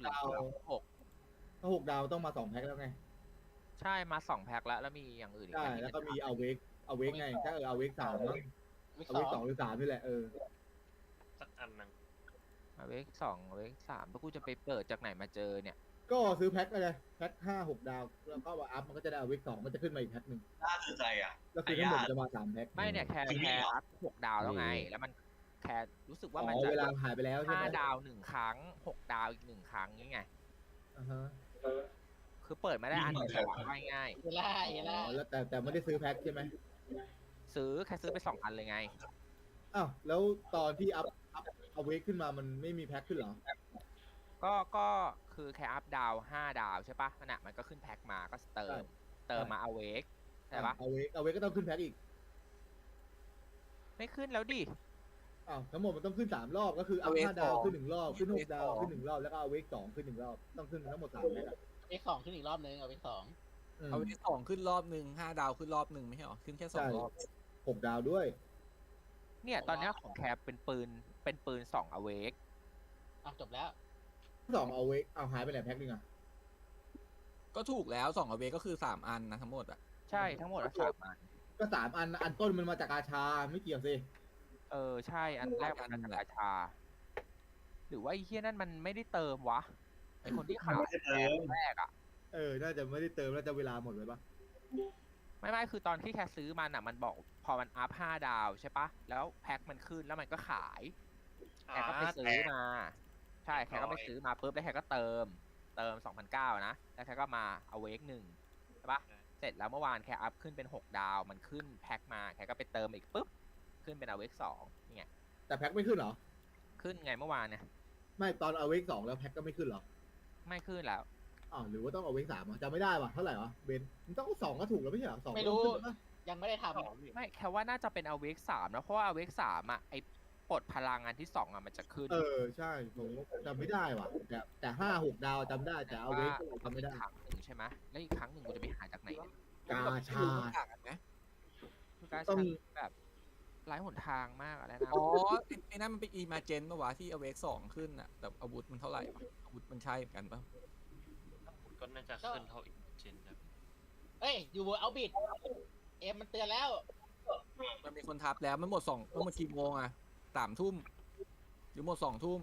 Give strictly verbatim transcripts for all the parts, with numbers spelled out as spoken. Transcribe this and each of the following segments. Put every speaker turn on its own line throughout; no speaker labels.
ดาว
หก
ถ้าหกดาวต้องมาสองแพ็คแล้วไง
ใช่มาสองแพ็คแล้วแล้วมีอย่างอื่นอีก
ใช่
ไหมที่
แล้ว
เป็น
ก็มีเอาเวกเอาเวกไงถ้าเออเอาเวกสามมั้ง
วิก
เอา
ส
เว
อก ง
สองหรือสามนี่แหละเออ
สักอันหนึ่ง
เวกสองเวกสามแล้วกูจะไปเปิดจากไหนมาเจอเนี่ย
ก็ซื้อแพ็คอะไรแพ็คห้าหกดาวแล้วก็มาอัพมันก็จะได้เอาเวกสองมันจะขึ้นมาอีกแพ็คหนึ่ง
น่าสนใจอ่ะ
แล้วคือทั้งหมดจะมาสามแพ็ค
ไม่เนี่ยแค่
จริงๆ
แค่
เหรอ
อัพหกดาวแล้วไง แล้วมันแค่รู้สึกว่า
อ๋
มัน
อ
จะ
เวลาหายไปแล้วใช่
ห้า
ไหม
ดาวหนึ่งครั้งหกดาวอีกหนึ่งครั้งนี่ไง
อ่าฮะ
คือเปิดมาได้อันเดียวอะง่าย
เฮล่าเฮ
อ๋
ล่า
อแล้วแต่แต่ไม่ได้ซื้อแพ็คใช่ไหม
ๆซื้อแค่ซื้อไปสองอันเลยไง
อ้าวแล้วตอนที่อัพอัพเอาเวกขึ้นมามันไม่มีแพ็คขึ้นเหรอ
ก็ก็คือแค่อัพดาวห้าดาวใช่ปะนั่นแหะมันก็ขึ้นแพ็คมาก็เติม เติมมาเอาเวกใช่ปะ
เอาเวกเอาเวกก็ต้องขึ้นแพ็คอีก
ไม่ขึ้นแล้วดิ
อ้าวทั้งหมดมันต้องขึ้นสามรอบก็คือเอา
เอาเวก
ห้าดาว
สอง
ขึ้นหนึ่งรอบขึ้นหกดาว
เวกสอง
ขึ้นหนึ่งรอบแล้วก็เอาเวกสองขึ้นหนึ่งรอบต้องขึ้นทั้งหมดสามแพ็คอะ
วิกสองขึ้นอีกรอบนึงเอาวิกสอง
อืม
เอาที่สองขึ้นรอบหนึ่งห้าดาวขึ้นรอบหนึ่งไม่ใช่หรอขึ้นแค่สอง
ใช่
รอบ
หกดาวด้วย
เนี่ยตอนเนี้ยของแคปเป็นปืนเป็นปืนสองอเวก
อ่ะจบแล้ว
สองเอาเวกเอาหายไปไหนแพ็คหนึงอะ
ก็ถูกแล้วสองเอาเวก็คือสามอันนะทั้งหมดอ่ะ
ใช่ทั้งหมดอะสามอัน
ก็สามอันอันต้นมันมาจากอาชาไม่เกี่ยวสิ
เออใช่อันแรกมันเป็นราชา หรือว่าไอ้เฮียนั่นมันไม่ได้เติมวะไอคนที่ขายแรกอะ
เออน่าจะไม่ได้เติมแล้วจะเวลาหมดเลยปะ
ไม่ไม่คือตอนที่แคซื้อมันอะมันบอกพอมันอัพห้าดาวใช่ปะแล้วแพ็คมันขึ้นแล้วมันก็ขายแคก็ไปซื้อมา ใช่แคก็ไปซื้อมาปุ๊บแล้วแคก็เติม เติมสองพันเก้านะแล้วแคก็มาเอาเวกหนึ่งใช่ปะเสร็จแล้วเมื่อวานแคอัพขึ้นเป็นหกดาวมันขึ้นแพ็คมาแคก็ไปเติมอีกปุ๊บขึ้นเป็นเอาเวกสองนี่ไง
แต่แพ็คไม่ขึ้นเหรอ
ขึ้นไงเมื่อวานเนี่ย
ไม่ตอนเอาเวกสองแล้วแพ็คก็ไม่ขึ้นเหรอ
ไม่ขึ้นแล้ว
อ้าวหรือว่าต้องเอาเวกสามอ่ะจำไม่ได้ว่ะเท่าไหร่วะเบนมันต้องเอาสองก็ถูกแล้วไม่ใช่เหรอสอง
ไม่รู้
ต้องขึ้นแล้วปะ
ยังไม่ได้ทำ
ไม่แค่ว่าน่าจะเป็นเอาเวกสามนะเพราะว่าเอาเวกสามอ่ะไอปลดพลังงานที่สองอ่ะมันจะขึ้น
เออใช่ผมจำไม่ได้ว่ะแต่แต่ห้าหกดาวจำได้แต่เอาเวกจำไม่ได้
ครั้งหนึ่งใช่ไหมแล้วอีกครั้งหนึ่งกูจะไปหาจากไหนเนี่ย
กาชา
ต่างกันไหม
คือการ
ต้อง
ใช้แบบไร้หนทางมากอะไรนะ
อ๋อไอ้ไอ้นั่นมันเป็นอีมาเจนปะวะที่เอาเวกสองขึ้นอ่ะแต่อาวุธมันเท่าไหร่วะอาวุธมันใช่เหมือนกันปะ
ก็น่าจะขึ้นเท่าอีกเจนนะ
เอ้ยอยู่บนเอาบิดเอ็มมันเตือนแล้ว
มันมีคนทับแล้วมันหมดสองมันหมดกี่โมงอ่ะสามทุ่มหรือหมดสองทุ่ม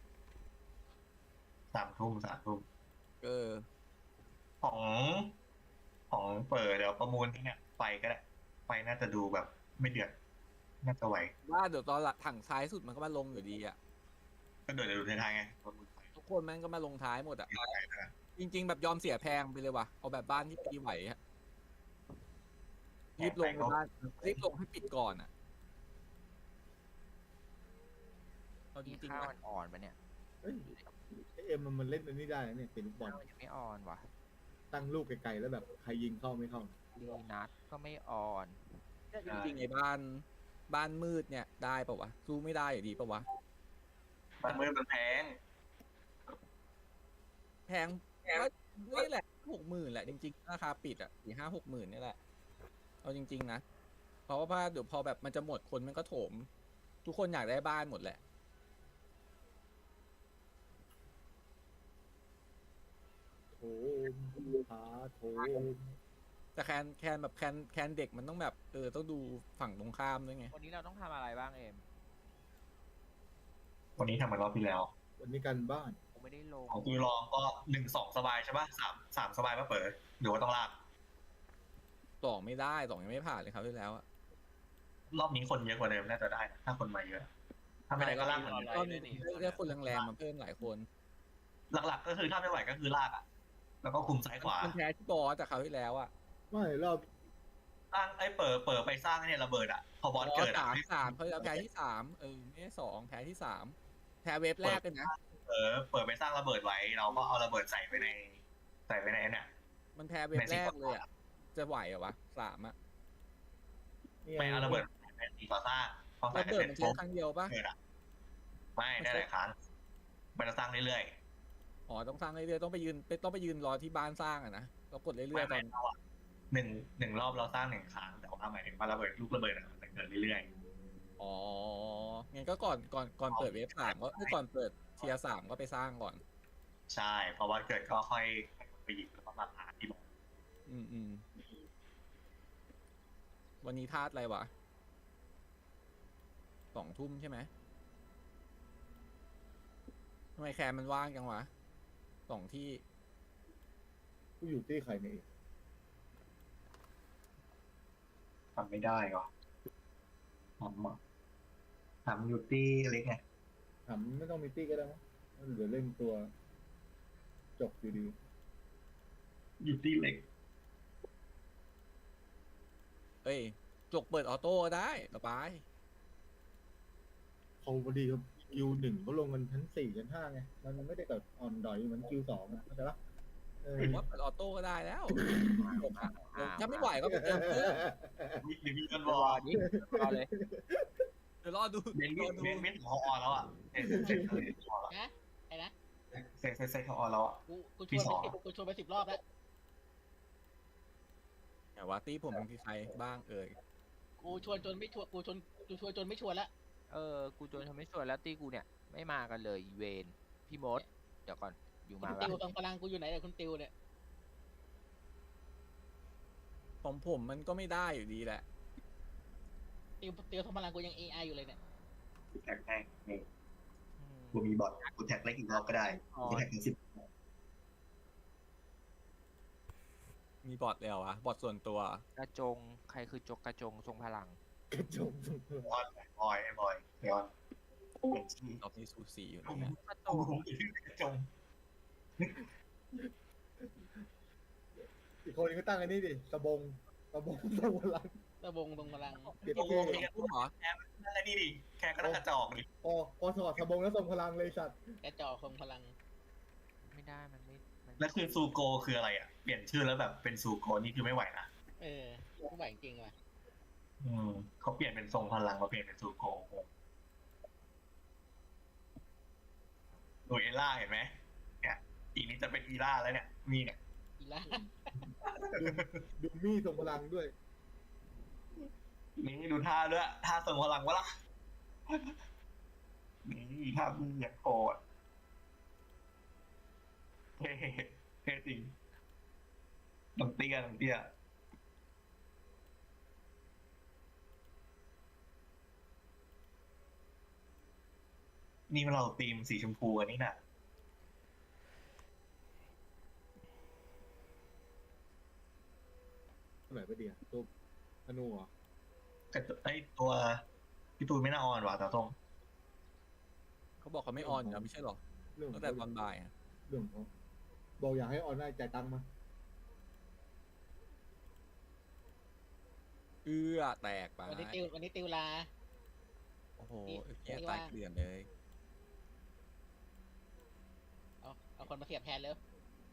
สามทุ่มสามทุ่ม
เออ
ของของเปิดเดี๋ยวประมูลที่เนี่ยไฟก็ได้ไฟน่าจะดูแบบไม่เดือดน่าจะไหว
ว่าเดี๋ยวตอนหลังถังซ้ายสุดมันก็มาลงอยู่ดีอ่ะ
ก็เดือดเดี๋ยวดูท้ายๆไงประมูลไฟ
ทุกคนแม่งก็มาลงท้ายหมดอ่ะ
มีอะไรนะ
จริง ๆ แบบยอมเสียแพงไปเลยว่ะเอาแบบบ้านที่ปีไหวอะรีบลงไปบ้านรีบลงให้ปิดก่อนอ่ะเอาจ
มี
ริง
ข้า
ๆ
ว
นะ
มันอ่อนปะเนี่ย
เอ้ยไอ้เอ็มมันมันเล่นอันนี้ได้นะเนี่ยเป็นลูกบอล
ข้าวมันยังไม่อ่อนว่ะ
ตั้งลูกไกลๆแล้วแบบใครยิงเข้าไม่เข้า
ดีนัดก็ไม่อ่อน
จริงๆไอ้บ้านบ้านมืดเนี่ยได้ปะวะสู้ไม่ได้อยู่ดีปะวะ
บ้านมืดมันแพง
แพงก็นี่แหละหกหมื่นแหละจริงๆราคาปิดอ่ะสี่ห้าหกหมื่นนี่แหละเอาจริง ๆนะเพราะว่าเดี๋ยวพอแบบมันจะหมดคนมันก็โถม ทุกคนอยากได้บ้านหมดแหละ
โถมพาโถม
แต่แคนแคนแบบแคนแคนเด็กมันต้องแบบเออต้องดูฝั่งตรงข้ามด้วยไง
วันนี้เราต้องทำอะไรบ้างเอ็ม
วันนี้ทำเหมือนรอบที่แล้ว
วันนี้กันบ้าน
ผมไม่ได้ลง
ของกูลองก็หนึ่งสองสบายใช่ป่ะสามสามสบายป่ะเปิดหรือว่าต้องลาก
สองไม่ได้สองยังไม่ผ่านเลยครับที่แล้วอะ
รอบนี้คนเยอะกว่าเดิมน่าจะได้นะถ้าคนมาเยอะ ถ้าไม่ได้ก็ลากเหมือนเดิม
ก็มีเรียกคนแรงๆมาเพิ่มหลายคน
หลักๆ ก็คือถ้าไม่ไหวก็คือลากอ่ะ แล้วก็คุมซ้ายขวา
มันแพ้ที่บอสจากเขาวที่แล้วอะ
ไม่รอบ
สร้างไอ้เปิดเปิดไปสร้างเนี่ยระเบิดอ่ะพอบอสเกิดอ่ะ
สามสามเขาแล้วแพ้ที่สามเออไม่ใช่สองแพ้ที่สามแพ้เวฟแรกเลยนะ
เออเปิดไปสร้างระเบิดไว้เราก็เอาระเบิดใส่ไปในใส่ไปในเนี่ย
มันแพ้เวฟแรกเลยอะจะไหวเหรอวะสามอะ
เนี่ย
ไม่เอาระเบิดไปตีต่อสร้างพอใส่
ระ
ไป
เบิด
เสร็จ
มันใช้
ปุ๊บ
ครั้งเดียวปะ
เกิดอ่ะไม่ได้หลายครั้งมันจะสร้างเรื่อย
อ๋อต้องสร้างเรื่อยๆต้องไปยืนต้องไปยืนรอที่บ้านสร้างอะนะเรากด
ๆ
เรื่
ไม่
อยๆต
ไม่
อน
เราอ่ะหนึ่งหนึ่งรอบเราสร้างหนึ่งครั้งแต่ว่าหมายถึงว่าระเบิดลูกระเบิดอะมันจะเกิดเรื่อย
อ๋องั้นก็ก่อนก่อนก่อนเปิดเวฟสามก็คือก่อนเปิดเทียร์สามก็ไปสร้างก่อน
ใช่ เพราะว่าเกิดก็ค่อยไปหยิบแล้วก็มาหาที่บอก
อืมอืมวันนี้ธาตุอะไรวะสองทุ่มใช่ไหมทำไมแคร์มันว่างจังวะสองที่
กูอยู่ที่ใครเนี่ย
ทำไม่ได้หรอทำอ่ะทำอยู่ที่เล็กไง
ถามไม่ต้องมีตี้ก็ได้มั้งเดี๋ยวเล่นตัว จบอยู่ดี
อยู่ที่เล็ก
เอ้ยจกเปิดออโต้ก็ได้สบาย
เขาพอดีครับคิวหนึ่งเขาลงกันชั้นสี่ชั้นห้าไง มันไม่ได้กับออนดอยเหมือนคิวสองอะเข้าใจปะเออ
ผมว่าเปิดออโต้ก็ได้แล้วจกอะถ้าไม่ไหวก็ไปเติมเพิ่ม
มีหรือมีกันบ
ร
อ
อ
ล
ดิรอเลย
เดี๋ยวรอดู
เบน
ร
มิ
อ
ด
ดู
เบนมิดของออแล้วอ่ะเสร็จเสร็จเสร็จพอแล้ว
นะไอ้นะ
เสร็จเสร็จเสร็จของออแล้วอ่ะ
กูกูช
พี่
วน
ส
ไป
อน
สิบกูชวนไปสิบรอบแล้ว
แต่ว่าตี้ผมมีใครบ้างเอ่ย
กูชวนจนไม่ชวนกูชวนกูชวนจนไม่ชวนแล้ว
เออ กูจนทำไม่ช่วยแล้วตีกูเนี่ย ไม่มากันเลยอีเวนพี่มด เดี๋ยวก่อน อยู่
คุ
มา
ณ
แล้
ติว
ว
ตรงพลังกูอยู่ไหนเนี่ยคุณติวเนี่ย
ของผมมันก็ไม่ได้อยู่ดีแหละ
ติวติวตรงพลังกูยังเอไออยู่เลยเนี่ย
กูแท็กแม่งนี่กูมีบอทกูแท็กเล็กอีกรอบก็ได้กูแท็กถึงสิบ
มีบอทเลยเหรอวะบอทส่วนตัว
กระจง ใครคือจกกระจงทรงพลัง
กระจงสุด
บอลบอยไอ้บอยเดี๋ยวเป็นชื่อ
รอบนี้สูสีอยู่
ผม
นะ
กระจ
ผม
ง
ผมชื่อกระจง
อีกคนนึงก็ตั้งอันนี้ดิสบงสบงสบงหลัง
ตะบงตรงพลัง
เก็บ
โอ้โห
เท่
มีกุ้งเหรอ
นั่นแหละนี่ดิแค่ก็ต้องกระจอกดิ
พอพอถอดสบงแล้วทรงพลังเลยสัตว์
กระจอกทรงพลัง
ไม่ได้ มันไม่มัน
แล้วคือซูโกคืออะไรอ่ะเปลี่ยนชื่อแล้วแบบเป็นซูโกนี่คือไม่ไหวนะ
เออกูไหวจริงๆว่ะ
อืมเขาเปลี่ยนเป็นทรงพลังมาเปลี่ยนเป็นซูโกดูเอล่าเห็นไหมเนี่ยอีกนี้จะเป็นอีล่าแล้วเนี่ยมีเนี่ย
อีล่า
ดูมี่ทรงพลังด้วย
นี่ดูท่าด้วยท่าทรงพลังวะล่ะนี่ท่ามีอย่างโกรธเท่เท่จริงน้ำเตี้ยน้ำเตี้ยนี่เราตีมสีชมพูอันนี้น่ะ
ไหนไปเดียวตัวธนูเหรอ
แต่ตัวไอตัวพี่ตูนไม่น่าออนว่ะตาตรง
เขาบอกเขาไม่ออนอยู่แล้วไม่ใช่หรอ
เรื่องข
ตั้
อง
งแต่ตอนบ่ายอะ
เรื่องของเขาบอกอยากให้ออนได้จ่ายตังค์มา
เอื้อแตกไป
วันนี้ติววันนี้ติวลา
โอ้โห
นี่
แย่
ไม่
ตา
ว่าย ง
เกลื่อนเลย
เอาเอาคนมาเสียบแทนเลย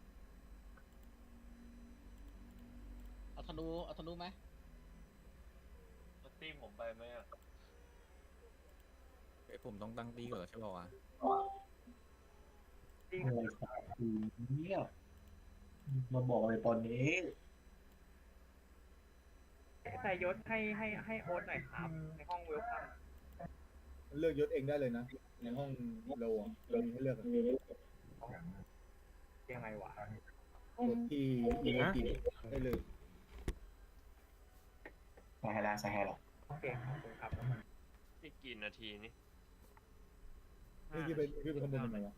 เอาธนูเอาธนูไหม
แล้วตีผมไปไหมอ่ะ
เอ้ยผมต้องตั้งตีก่อนเหรอใช่ป่าวะ
เนี่ยมาบอกเลยตอนนี้
ใส่ยศให้ให้ให้โอ๊ตหน่อยครับ ในห้องเวลคัม
มันเลือกยศเองได้เลยนะในห้องเราอ่ะเรามีให้เลือกอะ
ยังไงวะ
กดที่อีโมจิได้เลย
ใส่ให้แล้วใส่ให้แล้ว
โอเคขอบคุณครับ
อีกกี่นาทีนี่
นี่ที่ไปที่ไปขโมยมันไหนวะ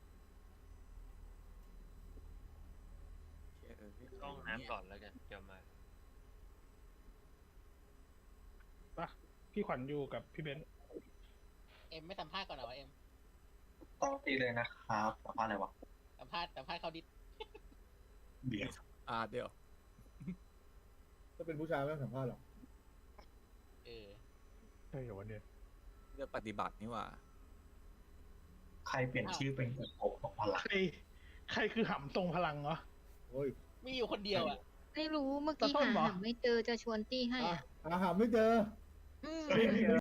เชี่ยเออพี่
ต้องน้ำก่อนแล้วกันเดี๋ยวมา
พี่ขวัญอยู่กับพี่เบนซ์
เอ็มไม่สัมภาษณ์ก่อนเหรอวะเอ็ม
ต้องตีเลยนะครับสัมภาษณ์อะไรวะ
สัมภาษณ์สัมภาษณ์เขาดิ
เดี๋ยว
อ่าเดี๋ยว
ถ้าเป็นผู้ชายไม่ต้องสัมภาษณ์หรอก
เออ
ใช่เหรอวันเนี้ย
เลือกปฏิบัตินี่หว่า
ใครเปลี่ยนชื่อเป็นกบของพลัง
ใครใครคือหำทรงพลังเหรอ
โอ้ย
มีอยู่คนเดียวอ่ะ
ไม่รู้เมื่อกี้
ตะส้ม
หา
เหรอ
หาไม่เจอจะชวนตี้ให้
อ่ะ
อะ
หาหาไม่เจอ
อืม
ไม่เจอ